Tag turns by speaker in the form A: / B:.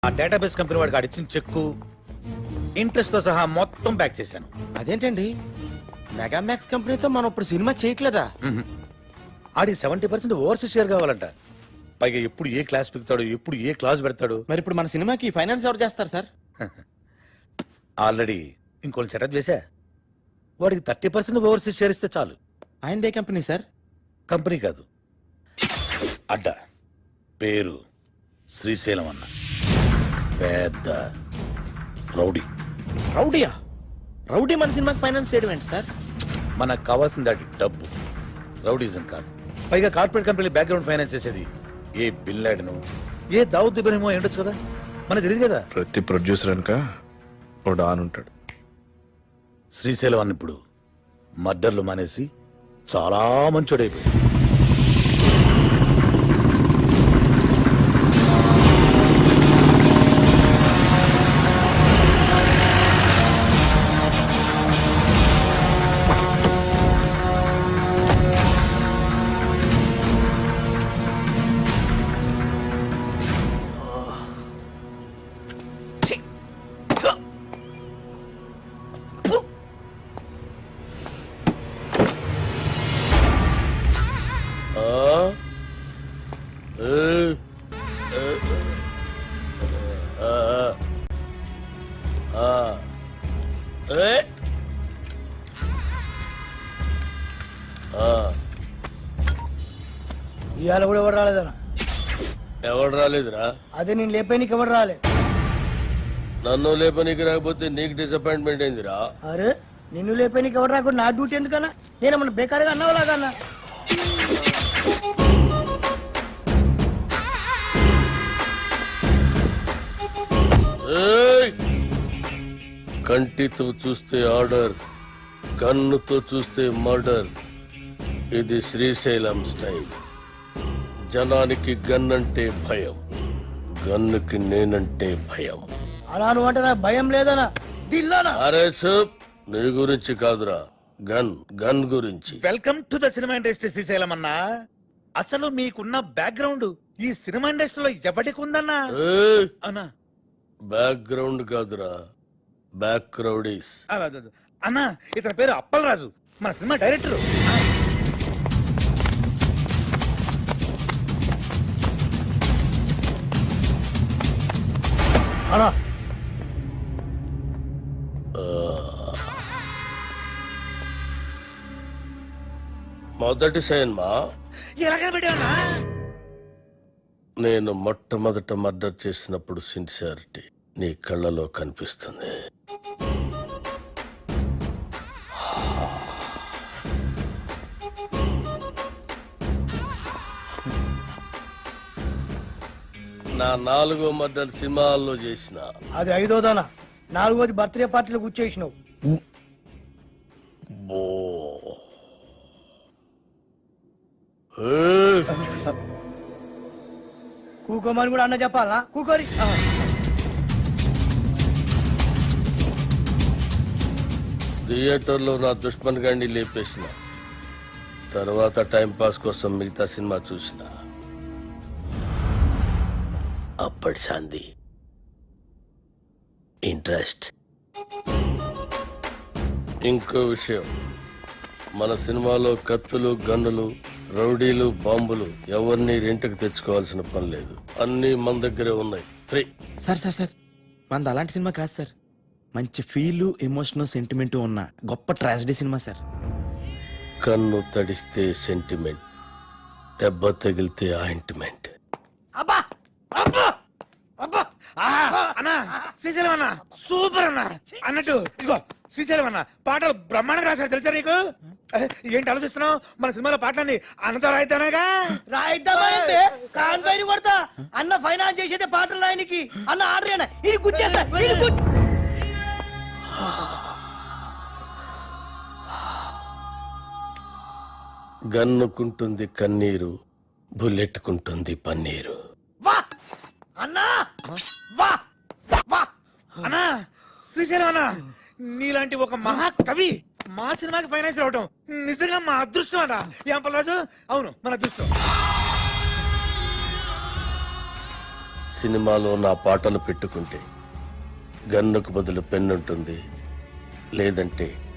A: ఆ database company వాడికి అడిచిన చెక్కు interest తో సహా మొత్తం బ్యాక్ చేశాను.
B: అదేంటండి మెగామాక్స్ కంపెనీతో మనం ఇప్పుడు సినిమా చేయట్లేదా?
A: ఆడి 70% ఓవర్సీస్ షేర్ కావాలంట. పైగా ఎప్పుడు ఏ క్లాస్ పెడతాడు, ఎప్పుడు ఏ క్లాస్ పెడతాడు.
B: మరి ఇప్పుడు మన సినిమాకి ఫైనాన్స్ ఎవరు చేస్తారు సార్?
A: ఆల్రెడీ ఇంకోటి సెటప్ చేశా. వాడికి 30% ఓవర్సీస్ షేర్ ఇస్తే చాలు.
B: ఆయనదే కంపెనీ సార్?
A: కంపెనీ కాదు, అడ్డ. పేరు శ్రీశైలం అన్న. పెద్ద రౌడీ.
B: రౌడీయా? రౌడీ మన సినిమాకి ఫైనాన్స్ చేయడం ఏంటి సార్?
A: మనకు కావాల్సింది అది డబ్బు, రౌడీజం కాదు. పైగా కార్పొరేట్ కంపెనీ బ్యాక్గ్రౌండ్ ఫైనాన్స్ చేసేది ఏ బిల్ లాడెను, ఏ దావుద్ ఇబ్రహీమో ఏంటొచ్చు కదా, మనకు తెలియదు కదా.
C: ప్రతి ప్రొడ్యూసర్ అనక ఓ డాన్ ఉంటాడు.
A: శ్రీశైలం అన్న ఇప్పుడు మర్డర్లు మానేసి చాలా మంచోడైపోయాడు.
D: ఇవాళ కూడా ఎవరు రాలేదన్నా?
E: ఎవడు రాలేదురా?
D: అదే నేను లేపేనికి ఎవరు రాలే.
E: నన్ను లేపనీకి రాకపోతే నీకు డిసప్పాయింట్మెంట్ అయిందిరా.
D: అరే నిన్ను లేపేనికి ఎవరు రాకుండా నా డ్యూటీ ఎందుకన్నా? నేనేమన్నా బేకారుగా అన్నావులాగన్నా?
E: కంటితో చూస్తే ఆర్డర్, కన్నుతో చూస్తే మర్డర్. ఇది శ్రీశైలం స్టైల్. జనానికి గన్ అంటే భయం, గన్నుకి నేనంటే భయం.
D: అలా నువ్వు అంటే నాకు భయం లేదనా? దిల్లానా?
E: అరే చూప్, నీ గురించి కాదురా, గన్ గన్ గురించి.
A: Welcome to the cinema industry Srisailam అన్నా. అసలు మీకున్న బ్యాక్గ్రౌండ్ ఈ సినిమా ఇండస్ట్రీలో ఎవరికి ఉందన్నా? అన్నా
E: బ్యాక్గ్రౌండ్ కాదురా, బ్యాక్ క్రౌడీస్.
A: అన్నా ఇతని పేరు అప్పలరాజు, మన సినిమా డైరెక్టర్.
D: అన్నా
E: మొదటి సినిమా
A: ఎలాగ పెట్టావన్నా?
E: నేను మొట్టమొదట మర్డర్ చేసినప్పుడు సిన్సియారిటీ నీ కళ్ళలో కనిపిస్తుంది. నా 4వ మర్డర్ సినిమాల్లో చేసిన.
D: అది 5వదనా? 4వది బర్త్డే పార్టీలో కూర్చేసినావు. కూకోమని కూడా అన్న చెప్పాలా? కూకోరి.
E: థియేటర్లో నా దుష్మన్ గాండి లేపేసిన తర్వాత టైం పాస్ కోసం మిగతా సినిమా చూసిన. అప్పటి సంది ఇంట్రెస్ట్. ఇంకో విషయం, మన సినిమాలో కత్తులు, గన్నులు, రౌడీలు, బాంబులు ఎవరిని రెంట్కి తెచ్చుకోవాల్సిన పని లేదు. అన్నీ మన దగ్గరే ఉన్నాయి, ఫ్రీ.
B: సార్ సార్ సార్ మనది అలాంటి సినిమా కాదు సార్. మంచి ఫీల్, ఎమోషన్, సెంటిమెంట్ ఉన్న గొప్ప ట్రాజడీ సినిమా సార్.
E: కన్ను తడిస్తే సెంటిమెంట్, దెబ్బ తగిలితే ఆయింట్మెంట్.
D: అబ్బా అబ్బా అబ్బా!
A: అన్నా శ్రీశైలం అన్న సూపర్ అన్న. అన్నట్టు ఇదిగో శ్రీశైలం అన్న పాటలు బ్రహ్మాండంగా రాశాడు, తెలుసా నీకు? ఏంటి ఆలోచిస్తున్నావు? మన సినిమాలో పాటలన్నీ అన్నతో రాయిద్దానగా.
D: రాయిద్దామంటే కాన్ పైన కొడతా. అన్న ఫైనాన్స్ చేసేదే పాటలు రాయనికి. అన్న ఆర్డర్ అయినా ఇది గుచ్చేస్తా.
E: గన్నుకుంటుంది కన్నీరు, బుల్లెట్టుకుంటుంది పన్నీరు.
D: వా అన్నా, వా వా
A: అన్నా శ్రీశైలం అన్న నీలాంటి ఒక మహాకవి మా సినిమాకి ఫైనాన్స్ రావటం నిజంగా మా అదృష్టం అట. ఏం పల్లరాజు? అవును, మన అదృష్టం.
E: సినిమాలో నా పాటలు పెట్టుకుంటే గన్నుకు బదులు పెన్నుంటుంది, లేదంటే